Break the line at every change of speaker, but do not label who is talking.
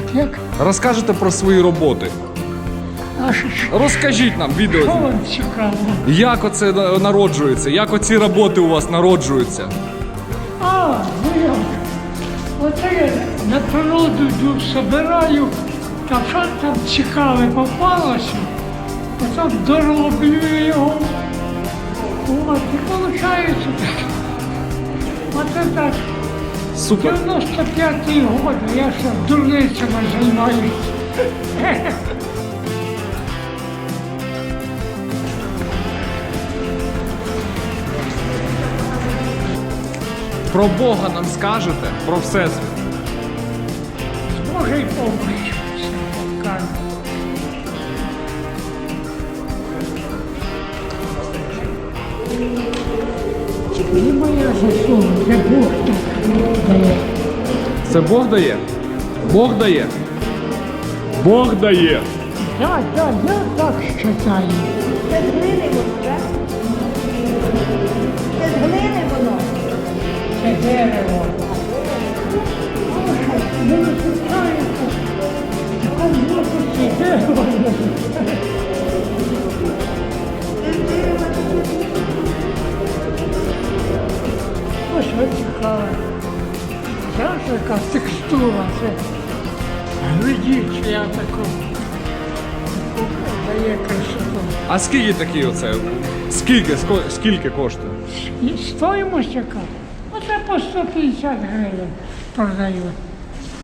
Як?
Розкажете про свої роботи.
А що
Розкажіть нам відео.
вам цікаво?
Як оце народжується? Як оці роботи у вас народжуються?
А, ну як? Оце я на природу йду, собираю, та що там цікаве попалося, потім дороблю його. От, і виходить. Оце так.
Супер.
95-й год, я ще дурницями займаюся.
Про Бога нам скажете? Про Всесвіт?
З Божою помощью все кажу. Не моя заслуга, це Бог так дає.
Це Бог дає? Бог дає? Бог дає!
Так, так, я так вважаю.
Це з глини воно, так? Це з глини воно.
Це дерево. Не виключається. Так це дерево. Ось ось цікаве. Зараз яка текстура, це глядіть, я таку дає красоту.
А скільки такі оце? Скільки коштує?
І стоїмость яка? Оце по 150 гривень продають.